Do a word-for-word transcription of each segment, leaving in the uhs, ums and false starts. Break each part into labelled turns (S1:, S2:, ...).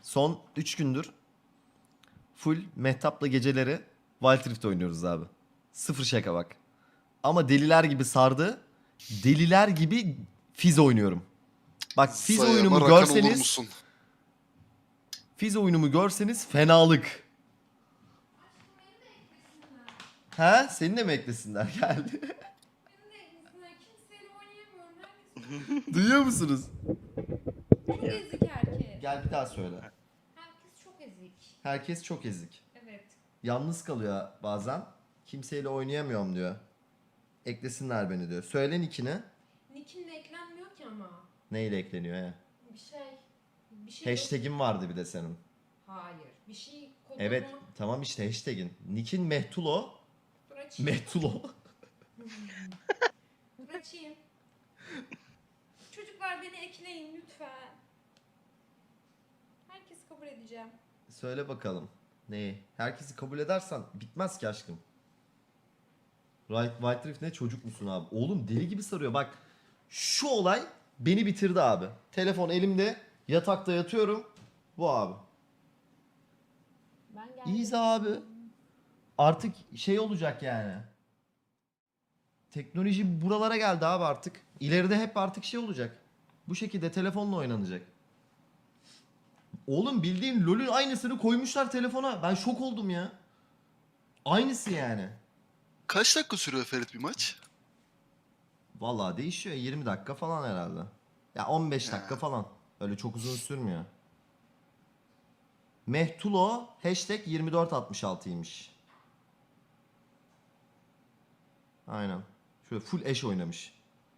S1: Son üç gündür full Mehtap'la geceleri Wild Rift oynuyoruz abi. Sıfır şaka bak. Ama deliler gibi sardı. Deliler gibi Fizz oynuyorum. Bak Fizz
S2: Sayama
S1: oyunumu
S2: rakan olur
S1: görseniz,
S2: musun?
S1: Fizz oyunumu görseniz fenalık. Ha? Seni de mi eklesinler? Geldi.
S3: Kimseyle oynayamıyorum. Herkes
S1: Duyuyor musunuz?
S3: çok ezik herkes.
S1: Gel bir daha söyle.
S3: Herkes çok ezik.
S1: Herkes çok ezik.
S3: Evet.
S1: Yalnız kalıyor bazen. Kimseyle oynayamıyorum diyor. Eklesinler beni diyor. Söyle nickini.
S3: Nick'imle eklenmiyor ki ama.
S1: Neyle ekleniyor ya?
S3: Bir şey. Bir şey yok.
S1: Hashtag'in vardı bir de senin.
S3: Hayır. Bir şey kodunu.
S1: Evet tamam işte hashtag'in. Nick'in Mehtulo.
S3: Dur açayım.
S1: Mehtulo.
S3: Dur açayım. Çocuklar beni ekleyin lütfen. Herkes kabul edeceğim.
S1: Söyle bakalım. Neyi? Herkesi kabul edersen bitmez ki aşkım. Right, White Rift ne çocuk musun abi? Oğlum deli gibi sarıyor. Bak şu olay beni bitirdi abi. Telefon elimde, yatakta yatıyorum. Bu abi.
S3: Ben geldim.
S1: İyiyiz abi. Artık şey olacak yani. Teknoloji buralara geldi abi artık. İleride hep artık şey olacak. Bu şekilde telefonla oynanacak. Oğlum bildiğin LoL'ün aynısını koymuşlar telefona. Ben şok oldum ya. Aynısı yani.
S2: Kaç dakika sürüyor Ferit bir maç?
S1: Vallahi değişiyor. yirmi dakika falan herhalde. Ya on beş dakika falan. Öyle çok uzun sürmüyor. Mehtulo hashtag yirmi dört altmış altıymış. Aynen. Şöyle full eş oynamış.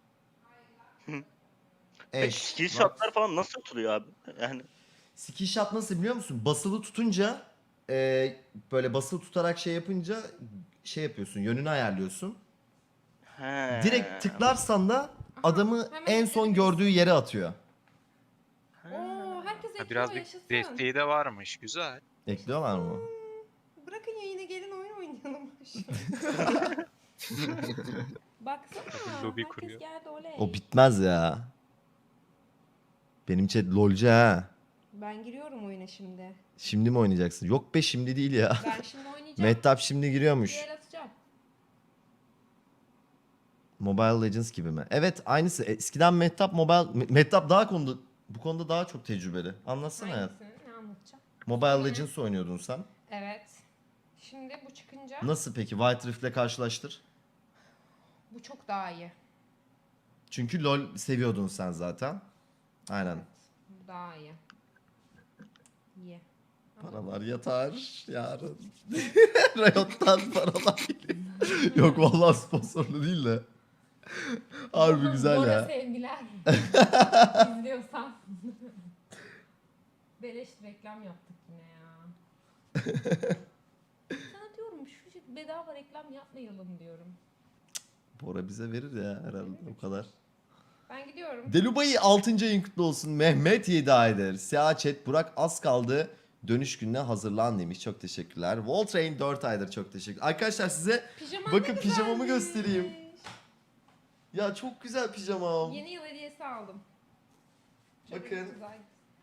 S4: Peki skill shotlar falan nasıl atılıyor abi? Yani
S1: Skill shot nasıl biliyor musun? Basılı tutunca e, böyle basılı tutarak şey yapınca şey yapıyorsun. Yönünü ayarlıyorsun.
S4: he.
S1: Direkt tıklarsan da adamı
S3: hemen
S1: en son
S3: ekledim.
S1: gördüğü yere atıyor.
S3: Oo, herkes
S5: Ha,
S3: ekliyor
S5: biraz bir
S3: yaşasın.
S5: desteği de varmış. Güzel.
S1: Ekliyorlar mı?
S3: Bırakın yayına gelin oyun oynayalım. Baksana.
S5: Lobi
S3: herkes
S5: kuruyor.
S3: geldi oley.
S1: O bitmez ya. Benim chat lolcu ha.
S3: Ben giriyorum oyuna şimdi.
S1: Şimdi mi oynayacaksın? Yok be şimdi değil ya.
S3: Ben şimdi oynayacağım.
S1: Mehtap şimdi
S3: Bir
S1: giriyormuş.
S3: el atacağım.
S1: Mobile Legends gibi mi? Evet aynısı. Eskiden Mehtap Mobile... Me- Mehtap daha konuda... Bu konuda daha çok tecrübeli. Anlatsana hayat.
S3: Hangisini? Ne anlatacağım?
S1: Mobile Legends oynuyordun sen.
S3: Evet. Şimdi bu çıkınca
S1: Nasıl peki? White Rift'le karşılaştır.
S3: bu çok daha iyi.
S1: Çünkü LoL seviyordun sen zaten. Aynen.
S3: Bu daha iyi. İyi. Ama
S1: Paralar yatar yarın. Riot'tan paralar geliyor. Yok vallahi sponsorlu değil de. Harbi
S3: Bora-
S1: güzel
S3: Bora
S1: ya.
S3: sevgiler. İzliyorsan. Beleş reklam yaptık yine ya. Sana diyorum şu şey- bedava reklam yapmayalım diyorum.
S1: Bora bize verir ya herhalde o kadar.
S3: Ben gidiyorum.
S1: Delubay'ı altıncı ayın kutlu olsun. Mehmet yedi aydır. Siyah chat Burak az kaldı. Dönüş gününe hazırlan demiş. Çok teşekkürler. Voltrain dört aydır çok teşekkür. Arkadaşlar size
S3: Pijaman
S1: bakın
S3: ne
S1: pijamamı
S3: güzelmiş.
S1: göstereyim. Ya çok güzel pijamam.
S3: Yeni yıl hediyesi aldım. Şöyle
S1: Bakın.
S3: güzel.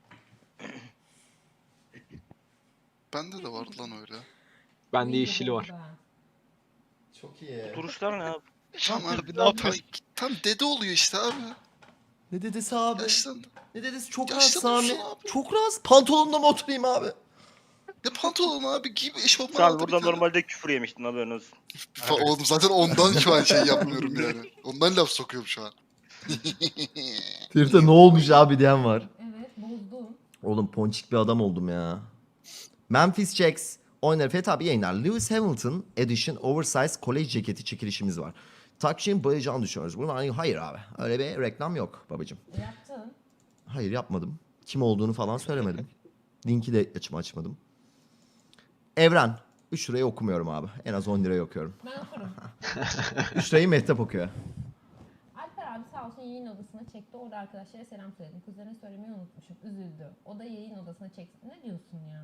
S2: Bende de vardı lan öyle.
S6: Bende
S3: İyi
S6: yeşili var.
S3: oldu.
S1: Çok iyi.
S4: Duruşlar ne abi?
S2: Tam,
S6: Abi ne
S2: tam,
S6: yapıyorsun?
S2: tam dede oluyor işte abi.
S1: Ne dedesi abi?
S2: Yaşlandı.
S1: Ne dedesi? Çok
S2: Yaşlı
S1: rahat Sami.
S2: dursun abi.
S1: Çok rahat. Pantolonla mı oturayım abi?
S2: Ne pantolon abi giy bir eşofman
S4: Şu an
S2: aldı bir
S4: burada
S2: tane.
S4: normalde küfür yemiştin haberin olsun.
S2: Fa- Oğlum zaten ondan şu an şey yapmıyorum yani. Ondan laf sokuyorum şu an.
S1: Ferit'e ne olmuş abi diyen var.
S3: Evet bozdum.
S1: Oğlum ponçik bir adam oldum ya. Memphis Jacks oynar. Fethi abi yayınlar. Lewis Hamilton Edition Oversize College ceketi çekilişimiz var. Takşin bayacağını düşünüyoruz. Bunlar hayır abi. Öyle bir reklam yok babacım.
S3: Yaptın.
S1: Hayır yapmadım. Kim olduğunu falan söylemedim. Linki de açım açmadım. Evren. üç lirayı okumuyorum abi. En az on lirayı okuyorum.
S3: Ben okurum.
S1: üç lirayı Mehtap okuyor.
S3: Alper abi sağ olsun yayın odasına çekti. Orada arkadaşlara selam söyledim. Kuzenine söylemeyi unutmuşum. Üzüldü. O da yayın odasına çekti. Ne diyorsun ya?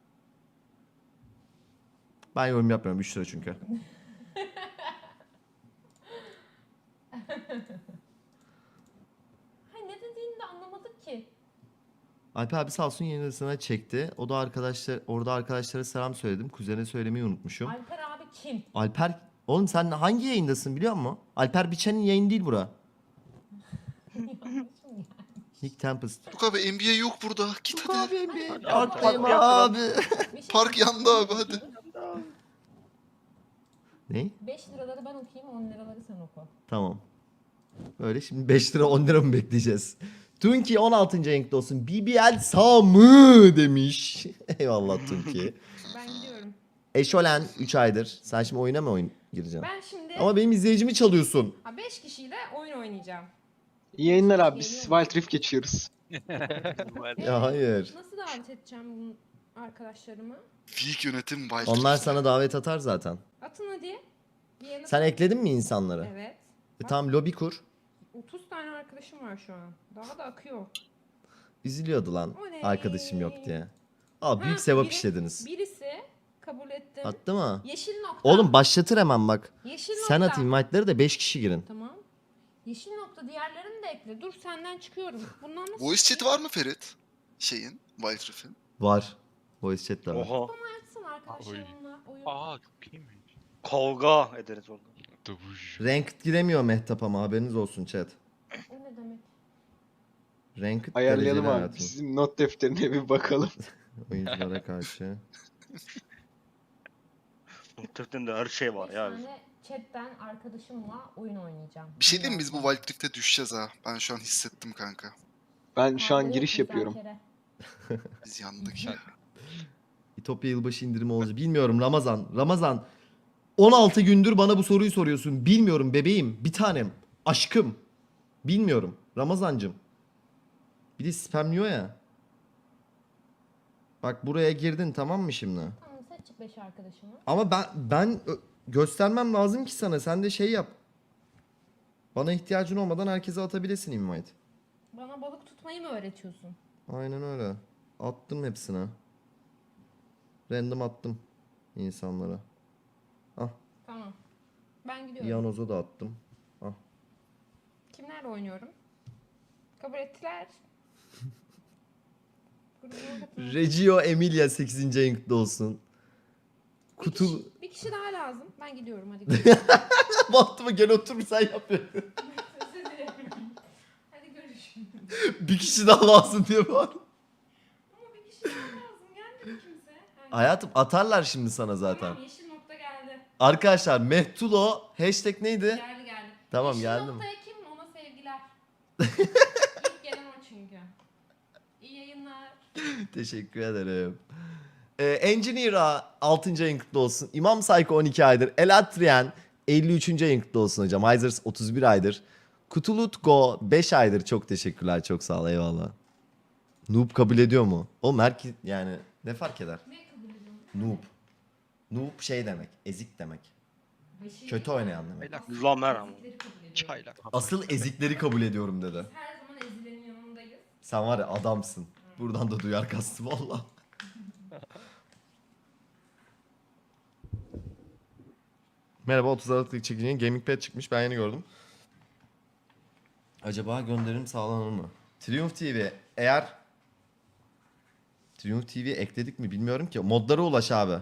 S1: Ben yorum yapmıyorum. üç lira çünkü.
S3: Hayır ne dediğini de anlamadık ki.
S1: Alper abi sağ olsun yayın odasına çekti. O da arkadaşlar orada arkadaşlara selam söyledim. Kuzene söylemeyi unutmuşum.
S3: Alper abi kim?
S1: Alper oğlum sen hangi yayındasın biliyor musun? Alper Biçen'in yayını değil bura. Nick Tempest.
S2: Yok abi N B A yok burada. Git
S1: Yok
S2: hadi.
S1: abi bir
S4: Hadi
S1: parktayım
S4: abi.
S1: abi.
S3: Bir şey
S2: Park yandı abi hadi.
S1: Ne?
S3: beş liraları ben okuyayım, on liraları sen oku.
S1: Tamam. Öyle şimdi beş lira on lira mı bekleyeceğiz? Tunki on altıncı renkli olsun. B B L sağ mı demiş. Eyvallah Tunki.
S3: Ben gidiyorum.
S1: Eşolen üç aydır. Sen şimdi oyuna mı oyun gireceksin?
S3: Ben şimdi
S1: Ama benim izleyicimi çalıyorsun.
S3: beş kişiyle oyun oynayacağım.
S6: İyi yayınlar abi. Biz Wild Rift geçiyoruz.
S1: Ya hayır.
S3: Nasıl davet edeceğim bu arkadaşlarımı?
S2: Weak yönetim Wild
S1: Onlar
S2: Rift.
S1: sana davet atar zaten.
S3: Atın hadi. Bir yerine-
S1: Sen ekledin mi insanları?
S3: Evet.
S1: E tamam lobi kur.
S3: otuz tane arkadaşım var şu an. Daha da akıyor.
S1: Üzülüyordu lan
S3: Oley.
S1: arkadaşım yok diye. Aa büyük
S3: Ha,
S1: sevap
S3: biri-
S1: işlediniz.
S3: Birisi kabul ettim.
S1: Attı mı?
S3: Yeşil nokta.
S1: Oğlum başlatır hemen bak.
S3: Yeşil
S1: Sen
S3: nokta.
S1: at invite'ları da beş kişi girin.
S3: Tamam. Yeşil nokta diğerlerini de ekle. Dur senden çıkıyorum. Bundan nasıl?
S2: Voice chat var mı Ferit? Şeyin, Wild Rift'in.
S1: Var. Voice chat de var.
S4: Oha.
S3: Açsın arkadaşlarımla oyun.
S5: Aa çok iyiymiş.
S4: Kavga ederiz orada.
S5: Dövüş.
S1: Ranked giremiyor Mehtap ama haberiniz olsun chat.
S3: O ne demek?
S1: Ranked
S6: Ayarlayalım
S1: dereceli
S6: abi.
S1: hayatım.
S6: Bizim not defterine bir bakalım.
S1: Oyunculara karşı.
S4: Muhtemelen de her şey var
S3: Beş
S4: ya.
S3: tane chatten arkadaşımla oyun oynayacağım.
S2: Bir şey diyeyim mi? Biz bu Wild Rift'e düşeceğiz ha. Ben şu an hissettim kanka.
S6: Ben şu an
S3: Kavga
S6: giriş
S3: yok,
S6: yapıyorum.
S3: müzakere.
S2: Biz yandık ya.
S1: İtopya yılbaşı indirimi olacak. Bilmiyorum Ramazan. Ramazan. on altı gündür bana bu soruyu soruyorsun. Bilmiyorum bebeğim. Bir tanem. Aşkım. Bilmiyorum. Ramazancım. Bir de spamliyor ya. Bak buraya girdin tamam mı şimdi?
S3: Tamam seç beş arkadaşımı.
S1: Ama ben ben ö- göstermem lazım ki sana. Sen de şey yap. Bana ihtiyacın olmadan herkese atabilesin invite.
S3: Bana balık tutmayı mı öğretiyorsun?
S1: Aynen öyle. Attım hepsine. Random attım insanlara.
S3: Tamam. Ben gidiyorum.
S1: Yanoz'a da attım.
S3: Kimlerle oynuyorum? Kabul ettiler. Grubuma katılın.
S1: Reggio Emilia sekizinci ayınkta olsun.
S3: Bir
S1: Kutu...
S3: kişi, bir kişi daha lazım. Ben gidiyorum hadi. Görüşürüz.
S1: Baktım gel otur sen yapıyorsun.
S3: Özür dilerim. Hadi görüşürüz.
S1: Bir kişi daha lazım diye var.
S3: Ama bir kişi daha lazım. Gelmedi kimse. Ha,
S1: Hayatım atarlar şimdi sana zaten.
S3: Tamam yeşil nokta geldi.
S1: Arkadaşlar Mehtulo hashtag neydi?
S3: Geldi geldi.
S1: Tamam,
S3: yeşil
S1: geldim.
S3: noktaya kim? Ona sevgiler. İlk gelen o çünkü. İyi yayınlar.
S1: Teşekkür ederim. Ee, Engineer'a altıncı ayın kutlu olsun. İmam Psycho on iki aydır. Elatrian elli üçüncü ayın kutlu olsun hocam. Hyzers otuz bir aydır. Kutulutgo beş aydır. Çok teşekkürler. Çok sağ ol. Eyvallah. Noob kabul ediyor mu? Oğlum herkes yani ne fark eder?
S3: Ne kabul ediyorsun?
S1: Noob. Noob şey demek. Ezik demek.
S3: Beşi-
S1: Kötü oynayan demek.
S5: Çaylak.
S4: Lamer ama.
S3: Ezikleri kabul ediyorum.
S5: Çaylak.
S1: Asıl ezikleri kabul ediyorum dedi.
S3: Biz her zaman ezilenin yanındayız.
S1: Sen var ya adamsın. Buradan da duyar kastım valla. Merhaba otuz Aralık'taki çekicinin Gaming Pad çıkmış ben yeni gördüm. Acaba gönderim sağlanır mı? Triumph T V eğer Triumph T V ekledik mi bilmiyorum ki. Modlara ulaş abi.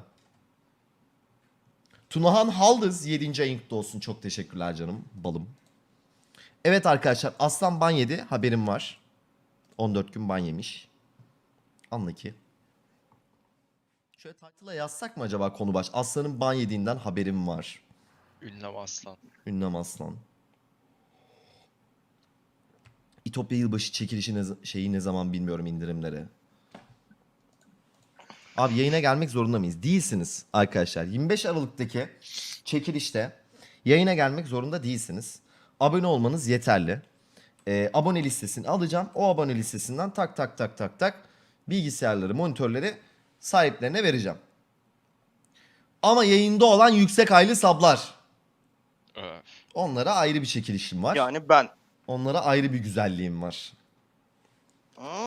S1: Tunahan Haldız yedinci ayın kutlu olsun. Çok teşekkürler canım balım. Evet arkadaşlar Aslan ban yedi haberim var. on dört gün ban yemiş. Anla ki. Şöyle title'a yazsak mı acaba konu baş? Aslan'ın ban yediğinden haberim var.
S5: Ünlem aslan.
S1: Ünlem Aslan. İtopya yılbaşı çekilişi ne, şeyi ne zaman bilmiyorum indirimleri. Abi yayına gelmek zorunda mıyız? Değilsiniz arkadaşlar. yirmi beş Aralık'taki çekilişte yayına gelmek zorunda değilsiniz. Abone olmanız yeterli. Ee, abone listesini alacağım. O abone listesinden tak tak tak tak tak bilgisayarları, monitörleri sahiplerine vereceğim. Ama yayında olan yüksek aylı sablar.
S5: Öf.
S1: Onlara ayrı bir çekilişim var.
S4: Yani ben.
S1: Onlara ayrı bir güzelliğim var.